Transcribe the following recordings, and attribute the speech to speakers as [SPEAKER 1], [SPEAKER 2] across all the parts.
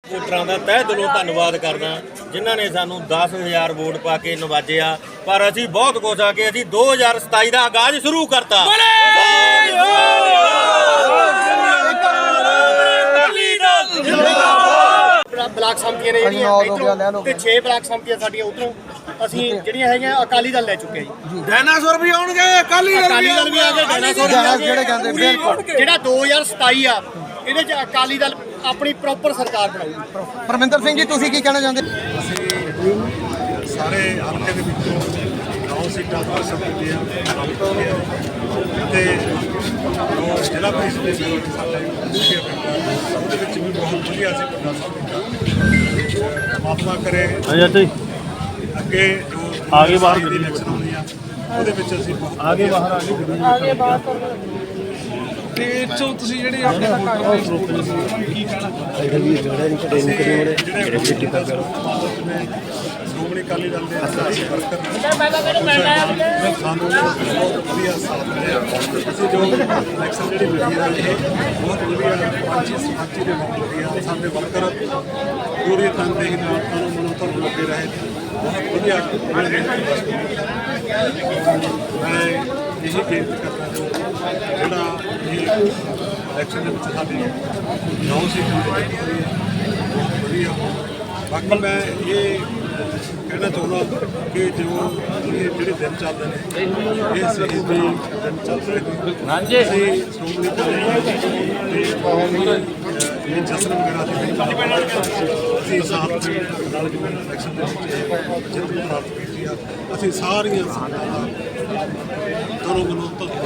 [SPEAKER 1] ਵੋਟਰਾਂ ਦਾ ਤਹਿ ਦਿਲੋਂ ਧੰਨਵਾਦ ਕਰਦਾ ਜਿਨ੍ਹਾਂ ਨੇ ਸਾਨੂੰ 10,000 ਵੋਟ ਪਾ ਕੇ ਨਵਾਜਿਆ। ਪਰ ਅਸੀਂ ਬਹੁਤ ਕੁਝ ਆ ਕੇ ਅਸੀਂ 2027 ਦਾ ਆਗਾਜ਼ ਸ਼ੁਰੂ ਕਰਤਾ।
[SPEAKER 2] ਬਲਾਕ ਸੰਮਤੀਆਂ ਨੇ ਜਿਹੜੀਆਂ ਤੇ 6 ਬਲਾਕ ਸੰਮਤੀਆਂ ਸਾਡੀਆਂ ਉਧਰੋਂ ਅਸੀਂ ਜਿਹੜੀਆਂ ਹੈਗੀਆਂ ਅਕਾਲੀ ਦਲ ਲੈ ਚੁੱਕੇ ਜੀ।
[SPEAKER 3] ਡਾਇਨਾਸੌਰ ਵੀ ਆਉਣਗੇ, ਅਕਾਲੀ ਦਲ
[SPEAKER 2] ਵੀ ਆ ਗਏ, ਡਾਇਨਾਸੌਰ
[SPEAKER 3] ਜਿਹੜੇ ਕਹਿੰਦੇ ਬਿਲਕੁਲ।
[SPEAKER 2] ਜਿਹੜਾ 2027 ਆ ਇਹਦੇ ਚ ਅਕਾਲੀ ਦਲ ਆਪਣੀ ਪ੍ਰੋਪਰ ਸਰਕਾਰ ਬਣਾਊਗੀ।
[SPEAKER 3] ਪਰਮਿੰਦਰ ਸਿੰਘ ਜੀ ਤੁਸੀਂ ਕੀ ਕਹਿਣਾ ਚਾਹੁੰਦੇ?
[SPEAKER 4] ਅਸੀਂ ਸਾਰੇ ਹਲਕੇ ਦੇ ਵਿੱਚੋਂ 9 ਸੀਟਾਂ ਤੋਂ ਸੰਪਤੀਆਂ ਤੇ ਜ਼ਿਲ੍ਹਾ ਪ੍ਰੀਸ਼ਦ ਦੇ ਸਾਡੇ ਉਹਦੇ ਵਿੱਚ ਵੀ ਬਹੁਤ ਵਧੀਆ ਸੀ ਪਰਮਾਤਮਾ ਕਰੇ ਅੱਗੇ ਜੋ ਆਗੇ ਬਾਹਰ ਦੀ ਇਲੈਕਸ਼ਨ ਹੋਣੀ ਆ ਉਹਦੇ ਵਿੱਚ ਅਸੀਂ ਆਗੇ ਬਾਹਰ ਤੇ ਇੱਥੋਂ ਤੁਸੀਂ ਜਿਹੜੇ ਆਪਣੇ ਕੀ ਕਹਿਣਾ ਸ਼੍ਰੋਮਣੀ ਅਕਾਲੀ ਦਲ ਦੇ ਸਾਰੇ ਵਰਕਰ ਸਾਨੂੰ ਬਹੁਤ ਵਧੀਆ ਸਾਥ ਮਿਲਿਆ। ਅਸੀਂ ਜੋ ਇਲੈਕਸ਼ਨ ਜਿਹੜੀ ਮਿਲੀ ਹੈ ਇਹ ਬਹੁਤ ਵਧੀਆ ਪੰਚੀ ਦੇ ਬਹੁਤ ਵਧੀਆ ਸਾਡੇ ਵਰਕਰ ਪੂਰੀ ਤਨਦੇਹੀ ਨਾਲ ਮਨੋਂ ਤੋਂ ਲੱਗੇ ਰਹੇ ਬਹੁਤ ਵਧੀਆ। ਮੈਂ ਇਹੀ ਬੇਨਤੀ ਕਰਦਾ ਜਿਹੜਾ ਇਹ ਇਲੈਕਸ਼ਨ ਦੇ ਵਿੱਚ ਸਾਡੀ 9 ਸੀਟਾਂ ਬਹੁਤ ਵਧੀਆ। ਬਾਕੀ ਮੈਂ ਇਹ ਕਹਿਣਾ ਚਾਹੁੰਦਾ ਕਿ ਜੋ ਜਿਹੜੇ ਦਿਨ ਚੱਲਦੇ ਨੇ ਇਹ ਸਹੀ ਦਿਨ ਚੱਲ ਰਹੇ ਨੇ। ਅਸੀਂ ਸ਼੍ਰੋਮਣੀ ਇਹ ਜਸਨ ਵਗੈਰਾ ਅਸੀਂ ਸਾਥ ਨਾਲ ਜਿਵੇਂ ਇਲੈਕਸ਼ਨ ਦੇ ਵਿੱਚ ਜਿੱਤ ਪ੍ਰਾਪਤ ਕੀਤੀ ਆ ਅਸੀਂ ਸਾਰੀਆਂ ਸੰਗਤਾਂ ਦਾ ਦੋਨੋਂ ਮਨੋਂ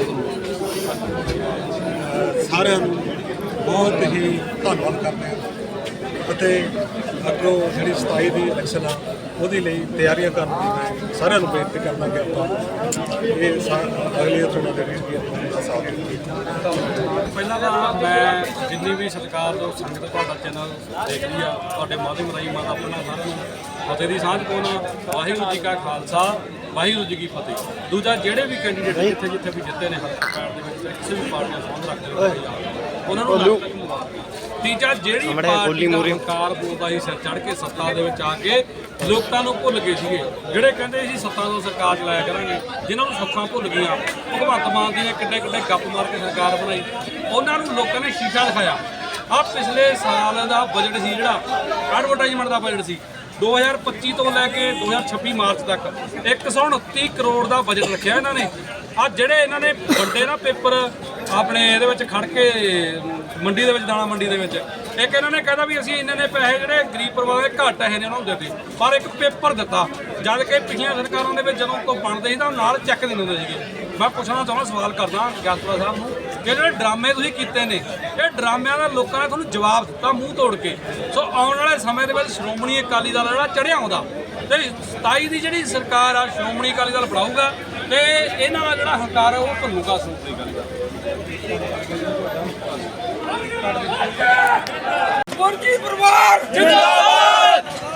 [SPEAKER 4] ਸਾਰਿਆਂ ਨੂੰ ਬਹੁਤ ਹੀ ਧੰਨਵਾਦ ਕਰਦੇ ਹਾਂ ਅਤੇ ਅੱਗੋਂ ਜਿਹੜੀ 27 ਦੀ ਇਲੈਕਸ਼ਨ ਆ ਉਹਦੇ ਲਈ ਤਿਆਰੀਆਂ ਕਰਨ ਦੀ ਮੈਂ ਸਾਰਿਆਂ ਨੂੰ ਬੇਨਤੀ ਕਰਦਾ ਕਿ ਆਪਾਂ ਇਹ ਅਗਲੀਆਂ ਚੋਣਾਂ ਦੇ ਵਿੱਚ ਵੀ ਆਪਣਾ ਸਾਥ ਦੇਈਏ।
[SPEAKER 5] ਪਹਿਲਾਂ ਤਾਂ ਮੈਂ ਜਿੰਨੀ ਵੀ ਸਰਕਾਰ ਤੋਂ ਸੰਗਤ ਤੁਹਾਡਾ ਚੈਨਲ ਦੇਖ ਰਹੀ ਆ ਤੁਹਾਡੇ ਮਾਧਿਅਮ ਰਾਹੀਂ ਮੈਂ ਆਪਣਾ ਸਾਰਿਆਂ ਨੂੰ ਫਤਿਹ ਦੀ ਸਾਂਝ ਪਾਉਣਾ। ਵਾਹਿਗੁਰੂ ਜੀ ਕਾ ਖਾਲਸਾ ਵਾਹਿਗੁਰੂ ਜੀ ਕੀ ਫਤਿਹ। ਦੂਜਾ ਜਿਹੜੇ ਵੀ ਕੈਂਡੀਡੇਟ ਜਿੱਥੇ ਵੀ ਜਿੱਤੇ ਨੇ ਹਲਕਾ ਦੇ ਵਿੱਚ ਕਿਸੇ ਵੀ ਪਾਰਟੀ ਨਾਲ ਸੰਬੰਧ ਰੱਖਦੇ ਹੋਏ ਉਹਨਾਂ ਨੂੰ ਤੀਜਾ ਜਿਹੜੀ ਪਾਰਟੀ ਦਾ ਹੰਕਾਰ ਬੋਲਦਾ ਸੀ ਸਿਰ ਚੜ੍ਹ ਕੇ ਸੱਤਾ ਦੇ ਵਿੱਚ ਆ ਕੇ ਲੋਕਾਂ ਨੂੰ ਭੁੱਲ ਗਏ ਸੀਗੇ। ਜਿਹੜੇ ਕਹਿੰਦੇ ਸੀ ਸੱਤਾ ਤੋਂ ਸਰਕਾਰ ਚਲਾਇਆ ਕਰਾਂਗੇ ਜਿਨ੍ਹਾਂ ਨੂੰ ਸੁੱਖਾਂ ਭੁੱਲ ਗਈਆਂ। ਭਗਵੰਤ ਮਾਨ ਜੀ ਨੇ ਕਿੱਡੇ ਗੱਪ ਮਾਰ ਕੇ ਸਰਕਾਰ ਬਣਾਈ ਉਹਨਾਂ ਨੂੰ ਲੋਕਾਂ ਨੇ ਸ਼ੀਸ਼ਾ ਦਿਖਾਇਆ। ਆਹ ਪਿਛਲੇ ਸਾਲ ਦਾ ਬਜਟ ਸੀ ਜਿਹੜਾ ਐਡਵਰਟਾਈਜ਼ਮੈਂਟ ਦਾ ਬਜਟ ਸੀ 2025 ਤੋਂ ਲੈ ਕੇ 2026 ਮਾਰਚ ਤੱਕ 129 ਕਰੋੜ ਦਾ ਬਜਟ ਰੱਖਿਆ ਇਹਨਾਂ ਨੇ। ਆ ਜਿਹੜੇ ਇਹਨਾਂ ਨੇ ਵੱਡੇ ਨਾ ਪੇਪਰ ਆਪਣੇ ਇਹਦੇ ਵਿੱਚ ਖੜ ਕੇ ਮੰਡੀ ਦੇ ਵਿੱਚ ਦਾਣਾ ਮੰਡੀ ਦੇ ਵਿੱਚ ਇੱਕ ਇਹਨਾਂ ਨੇ ਕਹਿੰਦਾ ਵੀ ਅਸੀਂ ਇਹਨਾਂ ਨੇ ਪੈਸੇ ਜਿਹੜੇ ਗਰੀਬ ਪਰਿਵਾਰਾਂ ਦੇ ਘੱਟ ਹੈ ਨੇ ਉਹਨਾਂ ਨੂੰ ਦਿੱਤੇ ਪਰ ਇੱਕ ਪੇਪਰ ਦਿੱਤਾ ਜਦ ਕਿ ਪਿਛਲੀਆਂ ਸਰਕਾਰਾਂ ਦੇ ਵਿੱਚ ਜਦੋਂ ਕੋਈ ਬਣਦੇ ਸੀ ਤਾਂ ਨਾਲ ਚੈੱਕ ਦਿੰਦੇ ਹੁੰਦੇ ਸੀਗੇ। ਮੈਂ ਪੁੱਛਣਾ ਚਾਹੁੰਦਾ ਸਵਾਲ ਕਰਦਾ ਗਿਆਸਪੁਰਾ ਸਾਹਿਬ ਨੂੰ ਕਿ ਜਿਹੜੇ ਡਰਾਮੇ ਤੁਸੀਂ ਕੀਤੇ ਨੇ ਇਹ ਡਰਾਮਿਆਂ ਦਾ ਲੋਕਾਂ ਨੇ ਤੁਹਾਨੂੰ ਜਵਾਬ ਦਿੱਤਾ ਮੂੰਹ ਤੋੜ ਕੇ। ਸੋ ਆਉਣ ਵਾਲੇ ਸਮੇਂ ਦੇ ਵਿੱਚ ਸ਼੍ਰੋਮਣੀ ਅਕਾਲੀ ਦਲ ਜਿਹੜਾ ਚੜ੍ਹਿਆ ਆਉਂਦਾ ਤੇ 27 ਦੀ ਜਿਹੜੀ ਸਰਕਾਰ ਆ ਸ਼੍ਰੋਮਣੀ ਅਕਾਲੀ ਦਲ ਬਣਾਊਗਾ ਤੇ ਇਹਨਾਂ ਦਾ ਜਿਹੜਾ ਹੰਕਾਰ ਉਹ ਭੰਨੂਗਾ ਸ਼੍ਰੋਮਣੀ ਅਕਾਲੀ ਦਲ।
[SPEAKER 6] ਮੁਰਗੀ ਪਰਿਵਾਰ ਜਿੰਦਾਬਾਦ।